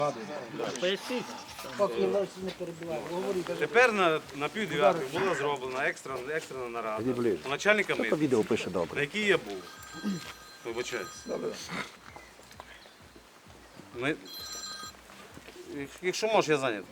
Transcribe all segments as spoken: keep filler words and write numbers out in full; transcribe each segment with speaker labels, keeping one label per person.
Speaker 1: Тепер на, на пів дев'ятої була зроблена екстрена, екстрена нарада у начальника митниці,
Speaker 2: Відео пише добре.
Speaker 1: на якій я був. Вибачаюсь. Ми... Якщо можеш, я зайнятий.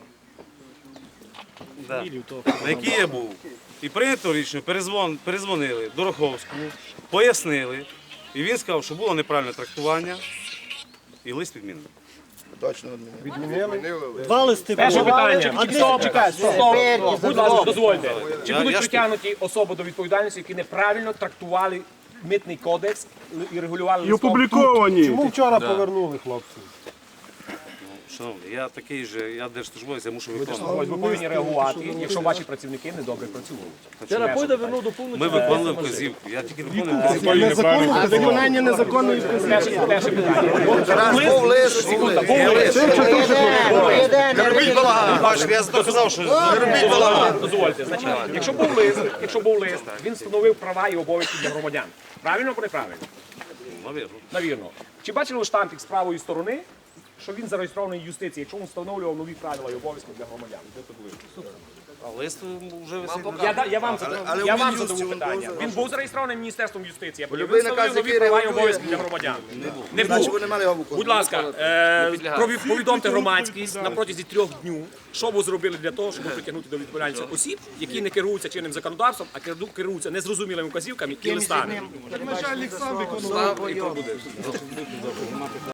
Speaker 1: Да. На якій я був. І прийнято рішення, перезвон, перезвонили до Роховського, пояснили. І він сказав, що було неправильне трактування і лист відмінений.
Speaker 3: Точно відмінили.
Speaker 4: Два листи.
Speaker 5: Перше питання.
Speaker 4: Андрій,
Speaker 5: Стоп,
Speaker 4: чекай,
Speaker 5: стоп,
Speaker 4: стоп.
Speaker 5: будь ласка, дозвольте. Чи
Speaker 1: Я-
Speaker 5: будуть
Speaker 1: я ж-
Speaker 5: притягнуті особи до відповідальності, які неправильно трактували митний кодекс і регулювали
Speaker 6: І
Speaker 5: листом?
Speaker 6: опубліковані.
Speaker 4: Чому вчора повернули хлопців?
Speaker 1: Шановний, я такий же, я держслужбовець, я мушу виконувати.
Speaker 5: Ви повинні реагувати, якщо ваші працівники недобре працюють.
Speaker 4: Вчора Пойда вернув до повного.
Speaker 1: Ми виконували вказівку, я тільки виконую вказівку.
Speaker 4: Виконання незаконної
Speaker 5: Перше, перше питання.
Speaker 3: Зараз був лист, був лист.
Speaker 5: Був лист.
Speaker 1: Не робіть балаган, бачите, я доказав, що не робіть балаган.
Speaker 5: Дозвольте, значить, якщо був лист, якщо був лист, він встановив права і обов'язки для громадян. Правильно або неправильно?
Speaker 1: Навірно.
Speaker 5: Навірно. Чи бачили ви штампік з правої сторони, що він зареєстрований в юстиції, якщо він встановлював нові правила і обов'язки для громадян?
Speaker 1: А лист вже висить.
Speaker 5: Я, да- я вам задав,
Speaker 3: але
Speaker 5: я
Speaker 3: в
Speaker 5: вам
Speaker 3: Мін'юсті
Speaker 5: задав
Speaker 3: він
Speaker 5: питання.
Speaker 3: був
Speaker 5: Він був зареєстрований Міністерством юстиції, а потім
Speaker 3: любий
Speaker 5: він
Speaker 3: наказ,
Speaker 5: встановив нові
Speaker 3: який
Speaker 5: права і
Speaker 3: регулює,
Speaker 5: обов'язки для громадян. Не
Speaker 3: Значить,
Speaker 5: був.
Speaker 3: вони мали його виконувати.
Speaker 5: Будь ласка, е, прові- повідомте громадськість на протязі трьох днів, що ви зробили для того, щоб притягнути до відповідальності осіб, які не керуються чинним законодавством, а керу- керуються незрозумілими вказівками і листами.
Speaker 4: Начальник сам виконував.